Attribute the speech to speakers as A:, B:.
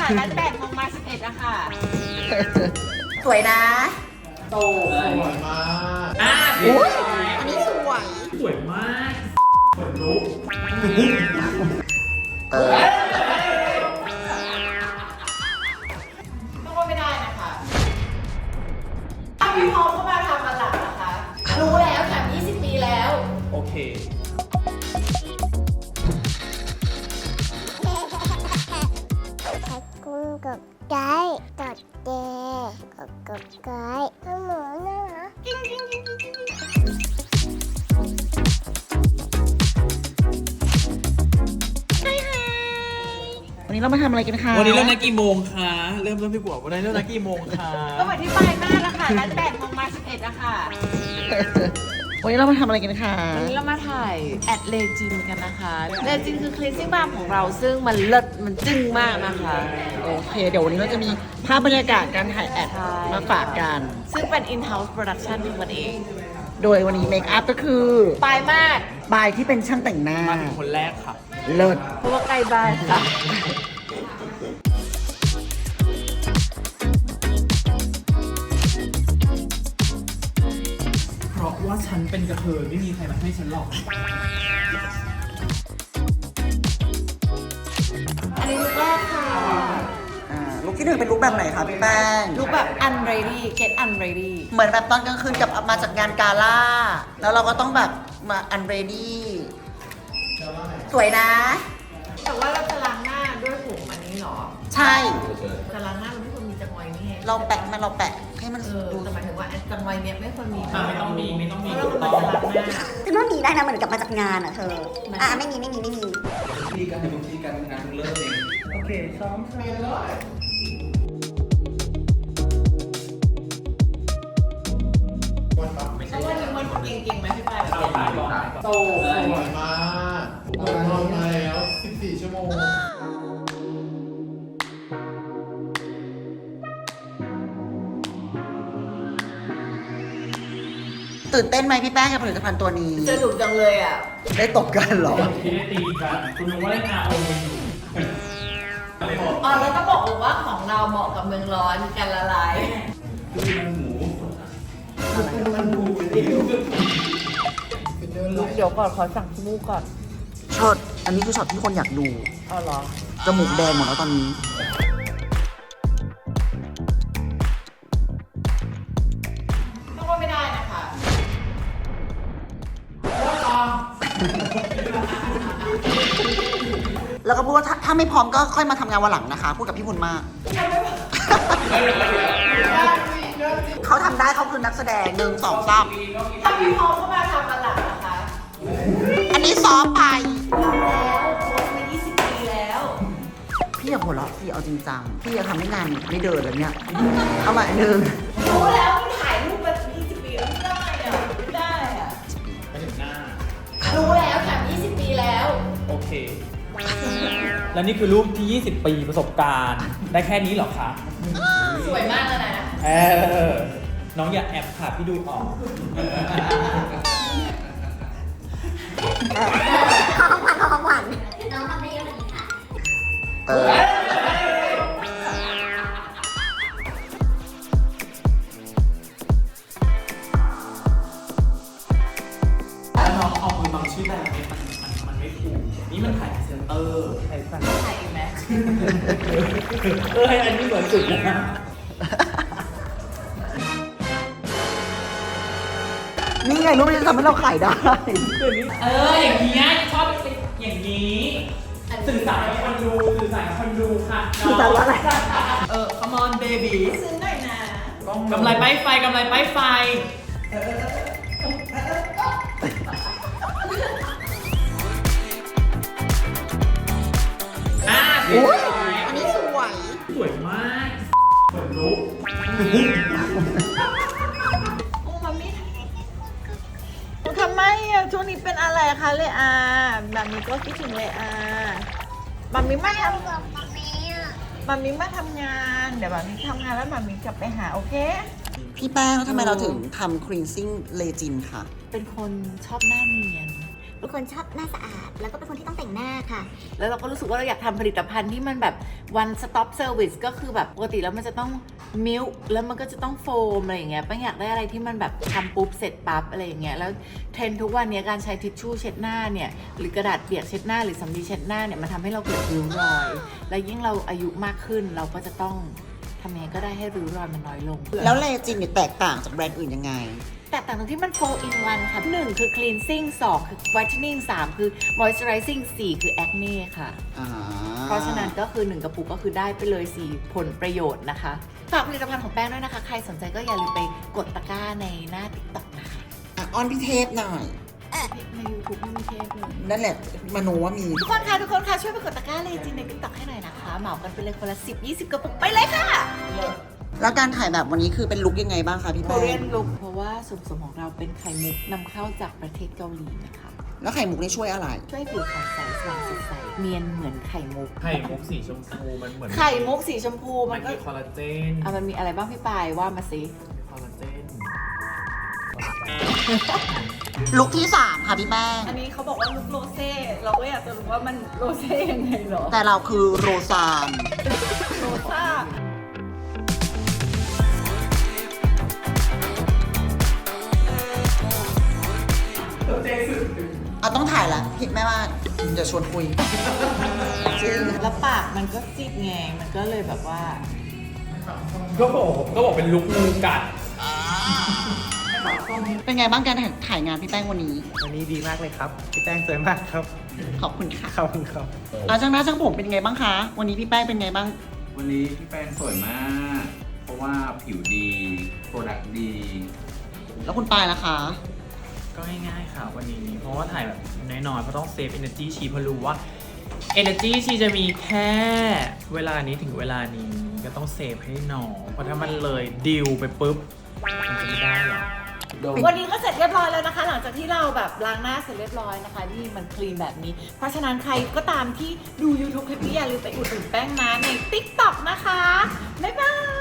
A: ค่ะร้าน8 โมงมา 11อะค่ะ
B: สวยนะ
C: โตสวยมาก
B: อันนี้สวย
C: สวยมากขนลุก
A: ต้องว่าไม่ได้นะคะพี่พร้อมก็มาทำมาหลังนะคะ รู้แล้วค่ะ20 ปีแล้ว
C: โอเค
D: ขอบคุณกับไกด์กดเจกับไกด์ขโมยนะ
B: วันนี้เรามาทำอะไรกันคะ
C: วันนี้เริ่มนัดกี่โมงคะเริ่มพี่กัววันนี้เริ่มนัดกี่โมงคะ
A: ก็เหมือนที่ปลายมากแล้วค่ะร้าน8 โมงมา 11อะค่ะ
B: วันนี้เรามาทำอะไรกันคะ
A: วันนี้เรามาถ่ายแอดเลจินกันนะคะเลจินคือคลีนซิ่งบาร์ของเราซึ่งมันเลิศมันจึ้งมากนะคะ
B: โอเค เดี๋ยววันนี้เราจะมีภาพบรรยากาศการถ่ายแอด
A: ใช่
B: มาฝากกัน
A: ซึ่งเป็น in-house production ของมันเอง
B: โดยวันนี้เมคอัพก็คือ
A: ปลายมาก
B: บายที่เป็นช่างแต่งหน้า
C: มาถึงคนแรกค่ะ
B: เลิศ
A: เพราะว่าใกล้บ้านค่ะ
C: เพราะว่าฉันเป็นกระเทยไม่มีใครมาให้ฉันหรอก
A: อันนี้ลุกแรกค่ะ
B: ลุคที่หนึ่งเป็นลุคแบบไหนคะพี่แป้ง
A: ลุกแบบ unready get unready
B: เหมือนแบบตอนกลางคืนกับมาจากงานกาล่า แล้วเราก็ต้องแบบมาอันเรดี้สวยนะ
A: แต่ว่าเราจะล้างหน้าด้วยผงอันนี้เหรอ
B: ใช่
A: จะล้างหน้ามันไม่ควรมีจังไวนี่ไง
B: เราแปะให้มัน
A: ดู
B: ดู
A: แต่หมายถึงว่าจังไวเนี้ยไม่ควรมี
C: ไม่ต้องมีไม่ต้องมี
A: เพราะเรากำลังจะล้างหน้า
D: คือว่ามีได้นะเหมือนกับมาจากงานอ่ะเธอ ไม่มี
E: ที่การบางทีการทำงานเริ่มเอง
C: โอเคซ้อมซ้อม
A: เพราะว่านี่มันเก่งๆไหมพี่ปาย
C: โตสวยมากนอนมาแล้ว14 ชั่วโมง
B: ตื่นเต้นไหมพี่แป้งกับผลิตภัณฑ์ตัวนี้
A: จะดุจังเลยอ่ะ
B: ได้ตบกันเหรอ
C: ที่ได้ตีกันคุณนึกว่าเล่น RO อยู่
A: อ๋อแล้วต้องบอกว่าของเราเหมาะกับเมืองร้อนกันละลาย เดี๋ยวก่อนขอสั่งขี้มูกก่อน
B: ช็อต อันนี้คือช็อตที่คนอยากดู
A: อ๋อเหรอ
B: จมูกแดงหมดแล้วตอนนี้
A: ต้องว่าไม่ได้นะคะ
B: แล้วก็พูดว่าถ้าไม่พร้อมก็ค่อยมาทำงานวันหลังนะคะ พูดกับพี่พุนมาก เขาทำได้เขาคือนักแสดง1 2 3
A: ถ้าพี่พร้อมก็มาทำมาหลังนะคะ
B: อันนี้ซ้อมไป
A: แล้วโค้ชมา20 ปีแล้ว
B: พี่อย่าหัวเราะสิเอาจริงจัง พี่จะทำให้งานไม่เดินแล้วเนี่ย เอาใหม่หนึ่ง
A: รู้แล้วมันถ่ายรูปมา20 ปีแล้วไม่ได้อ่ะไม่ได้อ่ะ
C: ไปถึงหน้า
A: รู้แล้วค่ะ20 ปีแล้ว
C: โอเค และนี่คือรูปที่ 20 ปีประสบการณ์ ได้แค่นี้เหรอคะ
A: สวยมากแล้วนะ
C: น้องอย่าแอบค่ะพี่ดูออก
D: ของขวัญ
B: เออ
C: แล้วน้องเอามือบังชื่อแบบนี้มันไม่ถูก นี่มันถ่ายเซนเตอร์ถ่ายสั่น
A: ถ่ายอีกไหม
C: อันนี้เหมือนสุดนะ
B: นี่ไงรูปนี้จะทำให้เราขายได้
C: อย่างนี้ชอบอย่างนี้ สื่อสารกับคนดูสื่อสารกับคนดูค่ะ
B: สื่อสารว่าอะไร
C: come on baby
A: ซื้อหน่อยนะ
C: กำไรป้ายไฟกำไรป้ายไฟ
B: อุ๊ยอันนี้สวย
C: สวยมากขนลุก
A: โอ้มามิทำไมอ่ะช่วงนี้เป็นอะไรคะเลอาแบบนี้ก็คิดถึงเลอาแบบนี้มาทำแบบนี้มาทำงาน เดี๋ยวแบบนี้ทำงานแล้วแบบนี้กลับไปหาโอเค
B: พี่แป้งทำไมเราถึงทำ cleansing legend ค่ะ
A: เป็นคนชอบหน้าเนียน
F: เป็นคนชอบหน้าสะอาด แล้วก็เป็นคนที่ต้องแต่งหน้าค่ะ
A: แล้วเราก็รู้สึกว่าเราอยากทำผลิตภัณฑ์ที่มันแบบ one stop service ก็คือแบบปกติแล้วมันจะต้องมิลค์แล้วมันก็จะต้องโฟมอะไรอย่างเงี้ยแป้งอยากได้อะไรที่มันแบบทำปุ๊บเสร็จปั๊บอะไรอย่างเงี้ยแล้วเทรนด์ทุกวันนี้การใช้ทิชชู่เช็ดหน้าเนี่ยหรือกระดาษเปียกเช็ดหน้าหรือสำลีเช็ดหน้าเนี่ยมันทำให้เราเกิดริ้วรอย และยิ่งเราอายุมากขึ้นเราก็จะต้องทำยังไงก็ได้ให้ริ้วรอยมันน้อยลง
B: แล้วเลจินเนี่ยแตกต่างจากแบรนด์อื่นยังไง
A: แตกต่างตรงที่มัน 4 in 1 ค่ะ 1 คือ cleansing 2 คือ whitening 3 คือ moisturizing 4 คือ acne ค่ะ เพราะฉะนั้นก็คือ 1 กระปุกก็คือได้ไปเลย 4 ผลประโยชน์นะคะ ฝากผลิตภัณฑ์ของแป้งด้วยนะคะ ใครสนใจก็อย่าลืมไปกดตะกร้าในหน้า TikTok นะคะ
B: อ้อนพี่เทพหน่อย
A: ใน YouTube ไม่มีเทปเลย
B: นั่นแหละมโนว่ามี
A: ทุกคนค่ะช่วยไปกดตะกร้าเลยจริงใน TikTok ให้หน่อยนะคะ เหมากันไปเลยคนละ 10-20 กระปุกไปเลยค่ะ
B: แล้วการถ่ายแบบวันนี้คือเป็นลุคยังไงบ้างคะพี่แป้ง
A: Korean look เพราะว่าส่วนผสมของเราเป็นไข่มุกนำเข้าจากประเทศเกาหลีนะคะ
B: แล้วไข่มุกนี่ช่วยอะไร
A: ช่วยผิวขาวใสสว่างสดใสเนียนเหมือนไข่มุก
E: ไข่มุกสีชมพูมันเหมือน
A: ไข่มุกสีชมพู
E: มั
A: มัน นก็
E: มีคอลลาเจน
A: มันมีอะไรบ้างพี่ปายว่ามาสิ
E: มีคอลลาเจน
B: ลุคที่ 3 ค่ะพี่แป้ง
A: อันนี้เขาบอกว่าลุกโรเซ่เราก็อยากจะรู้ว่ามันโรเซ่ยังไงเหรอ
B: แต่เราคือโรซาน
A: โรซ่า
B: เอาต้องถ่ายละพี่แม่ว่าจะชวนคุยจริง
A: แล้วปากมันก็ซีดแงงมันก็เลยแบบว่า
C: ก็บอกเป็นลุกงูกัด
B: เป็นไงบ้างการถ่ายงานพี่แป้งวันนี้
G: วันนี้ดีมากเลยครับ พี่แป้งสวยมากครับ
B: ขอบคุณค่ะ
G: ขอบคุณครับ
B: ช่างหน้าช่างผมเป็นไงบ้างคะ วันนี้พี่แป้งเป็นไงบ้าง
E: วันนี้พี่แป้งสวยมาก เพราะว่าผิวดี โปรดักต์ดี
B: แล้วคุณปายล่ะคะ
G: ก็ง่ายๆค่ะวันนี้ เพราะว่าถ่ายแบบน้อยๆเพราะต้องเซฟ energy ชีเพราะรู้ว่า energy ชีจะมีแค่เวลานี้ถึงเวลานี้ก็ต้องเซฟให้หนอเพราะถ้ามันเลยดิวไปปุ๊บ มันจะไม่ได้หรอก
A: วันนี้ก็เสร็จเรียบร้อยแล้วนะคะ หลังจากที่เราแบบล้างหน้าเสร็จเรียบร้อยนะคะนี่มันคลีนแบบนี้ เพราะฉะนั้นใครก็ตามที่ดู YouTube คลิปนี้อย่าลืมไปอุดหนุนแป้งนะใน TikTok นะคะ บ๊ายบาย